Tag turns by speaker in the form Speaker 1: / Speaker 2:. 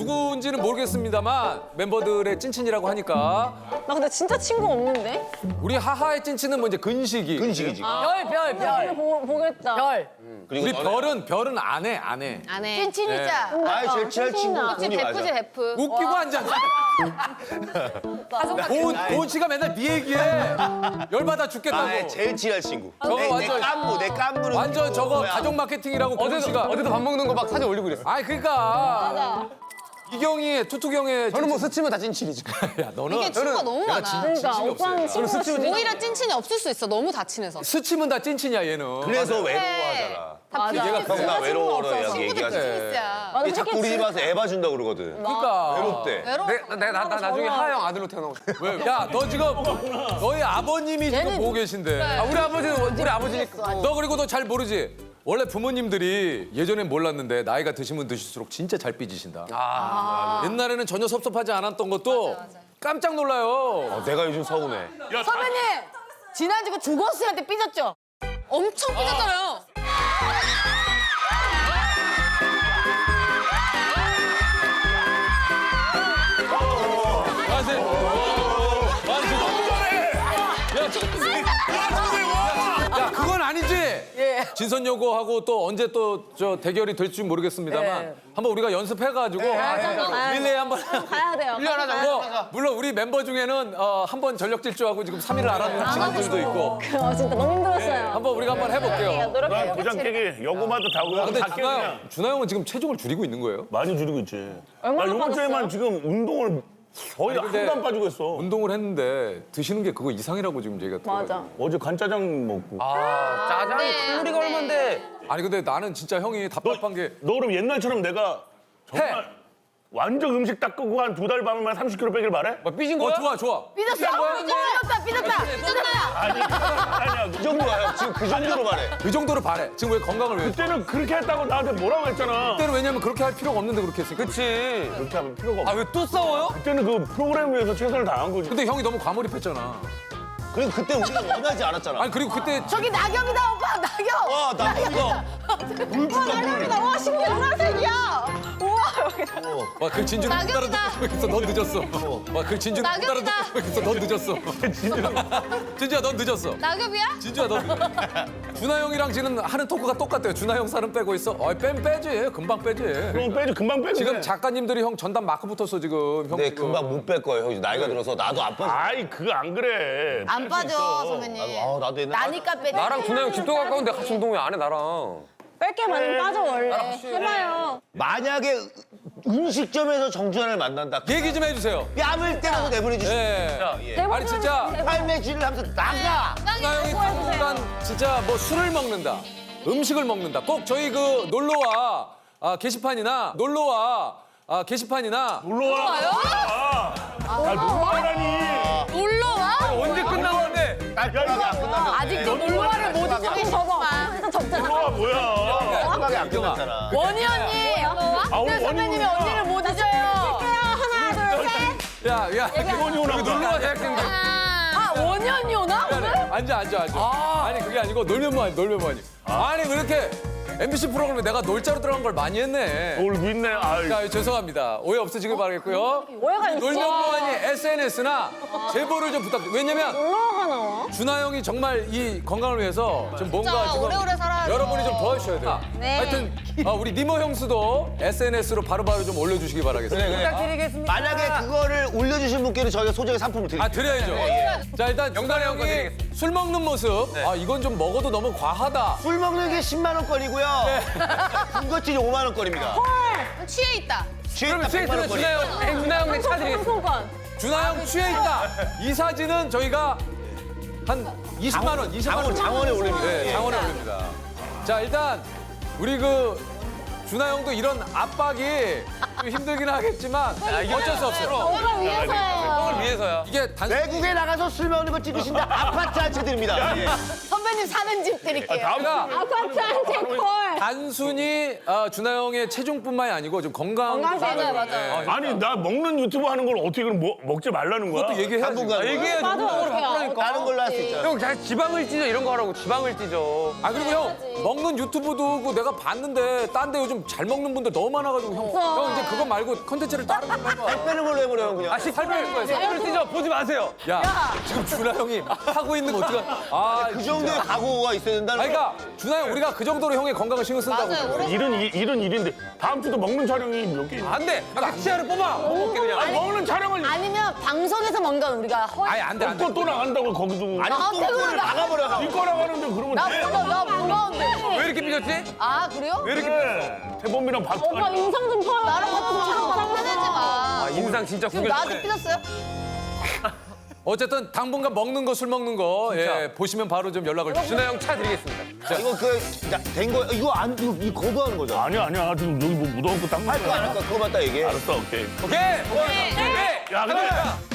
Speaker 1: 누구인지는 모르겠습니다만 멤버들의 찐친이라고 하니까
Speaker 2: 나 근데 진짜 친구 없는데?
Speaker 1: 우리 하하의 찐친은 뭐 이제 근식이.
Speaker 3: 근식이지.
Speaker 2: 별. 보겠다.
Speaker 4: 별.
Speaker 1: 우리 별은 안 해.
Speaker 5: 안 해.
Speaker 4: 찐친이자.
Speaker 3: 아이 제일 친한 친구
Speaker 5: 그치,
Speaker 3: 그분이
Speaker 5: 베프지,
Speaker 3: 맞아.
Speaker 5: 베프.
Speaker 1: 웃기고 앉았어. 도훈 씨가 맨날 네 얘기해. 열받아 죽겠다고.
Speaker 3: 아 제일 친한 친구.
Speaker 1: 저거
Speaker 3: 내
Speaker 1: 완전-
Speaker 3: 깐부 내 깐부는
Speaker 1: 완전 저거
Speaker 3: 뭐야.
Speaker 1: 가족 마케팅이라고 도훈 씨가.
Speaker 6: 어제도 밥 먹는 거 막 사진 올리고 그랬어.
Speaker 1: 아이 그러니까. 이경이, 투투경의.
Speaker 6: 저는 뭐 스치면 다 찐친이죠.
Speaker 1: 야 너는.
Speaker 5: 이게 친구가 너무 많아.
Speaker 2: 그러니까 오빠는 친구가 진짜
Speaker 5: 오히려 찐친이 없을 수 있어. 너무 다 친해서.
Speaker 1: 스치면 다 찐친이야 얘는.
Speaker 3: 그래서 외로워하잖아.
Speaker 2: 맞아.
Speaker 1: 얘가
Speaker 3: 형 나 외로워라 야
Speaker 5: 친구들
Speaker 3: 얘기하지.
Speaker 5: 비즈니스야.
Speaker 2: 맞아,
Speaker 3: 얘 자꾸 우리 집 와서 애 봐준다 고 그러거든.
Speaker 1: 그러니까.
Speaker 3: 외롭대.
Speaker 5: 외로워.
Speaker 6: 나 나중에 하영 아들로 태어나고 싶어.
Speaker 1: 왜? 야 너 지금 너희 아버님이 지금 보고 계신데.
Speaker 6: 아, 우리 아버지는 우리 아버지니까.
Speaker 1: 너 그리고 너 잘 모르지? 원래 부모님들이 예전엔 몰랐는데 나이가 드시면 드실수록 진짜 잘 삐지신다. 옛날에는 전혀 섭섭하지 않았던 것도 깜짝 놀라요.
Speaker 3: 내가 요즘 서운해.
Speaker 4: 선배님 지난주 그 주거스한테 삐졌죠?
Speaker 5: 엄청 삐졌잖아요.
Speaker 1: 맞아. 야 그건 아니지.
Speaker 4: 예.
Speaker 1: 진선여고하고 또 언제 또 저 대결이 될지 모르겠습니다만
Speaker 4: 예.
Speaker 1: 한번 우리가 연습해가지고 릴레이 한번.
Speaker 2: 가야 돼요.
Speaker 1: 뭐, 물론 우리 멤버 중에는 한 번 전력 질주하고 지금 3위를 알아보는 친구들도 있고
Speaker 2: 진짜 너무 힘들었어요.
Speaker 1: 한번 우리가 한번 해볼게요.
Speaker 2: 노력해요.
Speaker 7: 도장 깨기 여고마다 다
Speaker 1: 아, 근데
Speaker 7: 다 깨냐.
Speaker 1: 준하 형은 지금 체중을 줄이고 있는 거예요?
Speaker 7: 많이 줄이고 있지.
Speaker 2: 얼마나
Speaker 7: 나 이번 주에만
Speaker 2: 빠졌어요?
Speaker 7: 지금 운동을 거의
Speaker 1: 아니, 근데
Speaker 7: 하나도 안 빠지고 했어.
Speaker 1: 운동을 했는데 드시는 게 그거 이상이라고 지금 얘기가
Speaker 2: 맞아.
Speaker 7: 어제 간짜장 먹고.
Speaker 6: 짜장이 칼로리가 얼만데.
Speaker 1: 아니 근데 나는 진짜 형이 답답한 게
Speaker 7: 너 그럼 옛날처럼 내가 정말 완전 음식 딱 끄고 한 2달 밤에만 30kg 빼길 바래?
Speaker 6: 뭐 삐진 거야?
Speaker 1: 좋아.
Speaker 4: 삐졌어. 삐졌다.
Speaker 7: 아니야.
Speaker 3: 그 정도야 형. 지금 그 정도로 말해.
Speaker 1: 그 정도로 바래. 지금 왜 건강을 왜?
Speaker 7: 그때는 그렇게 했다고 나한테 뭐라고 했잖아.
Speaker 1: 그때는 왜냐면 그렇게 할 필요가 없는데 그렇게 했으니까.
Speaker 6: 그치.
Speaker 7: 그렇게 하면 필요가 없어.
Speaker 6: 아 왜 또 싸워요?
Speaker 7: 그때는 그 프로그램 위해서 최선을 다한 거지.
Speaker 1: 근데 형이 너무 과몰입했잖아.
Speaker 3: 그리고 그때 우리가 원하지 않았잖아.
Speaker 1: 아니 그리고 그때
Speaker 4: 저기 낙엽이다 오빠 낙엽.
Speaker 3: 와 나쁘다. 물 줄까 물.
Speaker 2: 와 신기해 노란색이야. 우와 여기다.
Speaker 1: 와 그 진주는 못
Speaker 5: 낙엽이다.
Speaker 1: 따라듣고 있어. 넌 늦었어. 와 그 진주는 못
Speaker 5: 낙엽이다.
Speaker 1: 따라듣고 있어. 넌 늦었어. 진주야 넌 늦었어.
Speaker 5: 낙엽이야?
Speaker 1: 진주야 너. 준하 형이랑 지금 하는 토크가 똑같아요. 준하 형 살은 빼고 있어. 빼지. 금방 빼지.
Speaker 7: 그럼 빼지 금방 빼지.
Speaker 1: 지금 작가님들이 형 전담 마크 붙었어 지금. 형
Speaker 3: 근데
Speaker 1: 지금.
Speaker 3: 금방 못 뺄 거예요. 형 나이가 들어서 나도 안 빠져.
Speaker 7: 아이 그거 안 그래.
Speaker 4: 안 빠져 선배님.
Speaker 3: 나도 옛날.
Speaker 4: 나니까 빼.
Speaker 6: 나랑 준하 형 집도 가까운데 같이 운동 왜 안 해 나랑?
Speaker 2: 뺄게 많으면 빠져 원래. 해봐요.
Speaker 3: 만약에 음식점에서 정준하를 만난다.
Speaker 1: 얘기 좀 해주세요.
Speaker 3: 뺨을 때려서 내보내주시.
Speaker 1: 예.
Speaker 3: 예.
Speaker 1: 아니 진짜
Speaker 3: 팔매질을 하면서 나가.
Speaker 1: 준하 형이 당분간 진짜 뭐 술을 먹는다, 음식을 먹는다. 꼭 저희 그 놀러와 게시판이나 놀러와 게시판이나
Speaker 7: 놀러와. 놀러와라니.
Speaker 5: 놀러와?
Speaker 6: 언제 끝나는데?
Speaker 4: 아직도 놀러와를 못 잊고 접어.
Speaker 7: 놀러와 뭐야.
Speaker 3: 음악이 안 끝났잖아.
Speaker 4: 원희 언니.
Speaker 7: 아 오늘
Speaker 4: 선배님이 언니를 못 잊어요.
Speaker 2: 하나 둘 셋.
Speaker 1: 야
Speaker 7: 원이 오나 보다.
Speaker 1: 놀러와 대학생들.
Speaker 4: 아 원희 언니 오나?
Speaker 1: 앉아. 아니 그게 아니고 놀면 뭐하니. 아니 왜 이렇게 MBC 프로그램에 내가 놀자로 들어간 걸 많이 했네.
Speaker 7: 놀고 있네. 아이.
Speaker 1: 자, 죄송합니다. 오해 없으시길 바라겠고요.
Speaker 2: 오해가 있어.
Speaker 1: 놀면 뭐하니 SNS나 제보를 좀 부탁드려요. 왜냐면
Speaker 2: 놀러가 나와.
Speaker 1: 준하 형이 정말 이 건강을 위해서 좀 뭔가
Speaker 5: 진짜
Speaker 1: 지금
Speaker 5: 오래오래 살아야죠.
Speaker 1: 여러분이 좀 도와주셔야 돼요.
Speaker 2: 네.
Speaker 1: 하여튼 우리 니모 형수도 SNS로 바로바로 좀 올려주시기 바라겠습니다.
Speaker 4: 부탁드리겠습니다.
Speaker 3: 만약에 그거를 올려주신 분께는 저희가 소정의 상품을 드릴게요.
Speaker 1: 드려야죠. 자, 일단 준하 형이 술 먹는 모습. 이건 좀 먹어도 너무 과하다.
Speaker 3: 술 먹는 게 10만 원권이고요. 군것질이 5만 원권입니다.
Speaker 5: 취해 있다.
Speaker 1: 그러면
Speaker 3: 취했다 100만 원권이.
Speaker 6: 준하 형 내 차드리겠습니다.
Speaker 2: 상품권.
Speaker 1: 준하 형 취해 있다. 이 사진은 저희가 한 20만 원, 20만 원.
Speaker 3: 장원에 올립니다.
Speaker 1: 네,
Speaker 3: 예.
Speaker 1: 장원에 올립니다. 자, 일단 우리 그 준하 형도 이런 압박이 좀 힘들긴 하겠지만 어쩔 수 없어요.
Speaker 2: 너가 위해서예요.
Speaker 6: 형을 위해서야.
Speaker 1: 이게 단순
Speaker 3: 외국에 나가서 술 먹는 거 찍으신다. 아파트 한 채 드립니다. 예.
Speaker 4: 선배님 사는 집 드릴게요.
Speaker 1: 제가
Speaker 2: 아파트 한 채 콜.
Speaker 1: 단순히 준하 형의 체중뿐만이 아니고 좀 건강.
Speaker 2: 건강하세요.
Speaker 4: 맞아요.
Speaker 7: 아니 나 먹는 유튜브 하는 걸 어떻게 그럼 먹지 말라는 거야?
Speaker 1: 그것도 얘기해야지.
Speaker 3: 당분간
Speaker 6: 얘기해야지.
Speaker 2: 맞아,
Speaker 6: 그걸
Speaker 2: 어떡해.
Speaker 6: 바꾸라니까.
Speaker 3: 다른 걸로 할 수 있잖아.
Speaker 6: 형, 잘 지방을 찢어 이런 거 하라고 지방을 찢어.
Speaker 1: 아 그리고 형 먹는 유튜브도 그 내가 봤는데 딴 데 요즘 잘 먹는 분들 너무 많아가지고 형 이제 그거 말고 컨텐츠를 다른 걸로 해봐.
Speaker 3: 살 빼는 걸로 해버려 형 그냥.
Speaker 6: 아, 살 빼는 거야. 살을 찢어. 보지 마세요.
Speaker 1: 야 지금 준하 형이 하고 있는 거 어떡하? 아
Speaker 3: 그 정도의 각오가 있어야 된다는
Speaker 1: 아니,
Speaker 3: 거야.
Speaker 1: 그러니까 준하 형 우리가 그 정도로 형의 건강을 신경 쓴다고.
Speaker 5: 맞아요.
Speaker 7: 일은 일인데 다음 주도 먹는 촬영이 몇 개?
Speaker 6: 안 돼. 치아를 뽑아. 못 먹게 그냥.
Speaker 7: 아니 먹는 촬영을
Speaker 4: 아니면 방송에서 뭔가 우리가
Speaker 1: 아니 안돼 안돼.
Speaker 7: 또 나간다고 거기도.
Speaker 3: 아니
Speaker 4: 아,
Speaker 3: 또
Speaker 4: 태국으로
Speaker 3: 나가버려.
Speaker 7: 이거 나가는데 그러면
Speaker 4: 나
Speaker 7: 돼?
Speaker 4: 무거운데.
Speaker 6: 왜 이렇게 삐졌지?
Speaker 4: 아 그래요?
Speaker 6: 왜 이렇게
Speaker 7: 그래. 태범이랑
Speaker 2: 오빠
Speaker 7: 박수가
Speaker 2: 인상 좀 펴요.
Speaker 4: 나랑 같은 촬영 화내지 마.
Speaker 6: 아, 인상 진짜
Speaker 4: 지금
Speaker 6: 구겨.
Speaker 4: 나한테 삐졌어요?
Speaker 1: 어쨌든 당분간 먹는 거 술 먹는 거 예, 보시면 바로 좀 연락을 주시죠.
Speaker 6: 준하 형 차 드리겠습니다.
Speaker 3: 이거 된 거 이거 안 이거 거부하는 거잖아.
Speaker 7: 아니야 지금 여기 뭐 묻어갖고 닦는
Speaker 3: 할 거
Speaker 7: 거야.
Speaker 3: 아니까 그거만 딱 얘기해.
Speaker 7: 알았어 오케이.
Speaker 6: 오케이. 오케이.
Speaker 7: 야 근데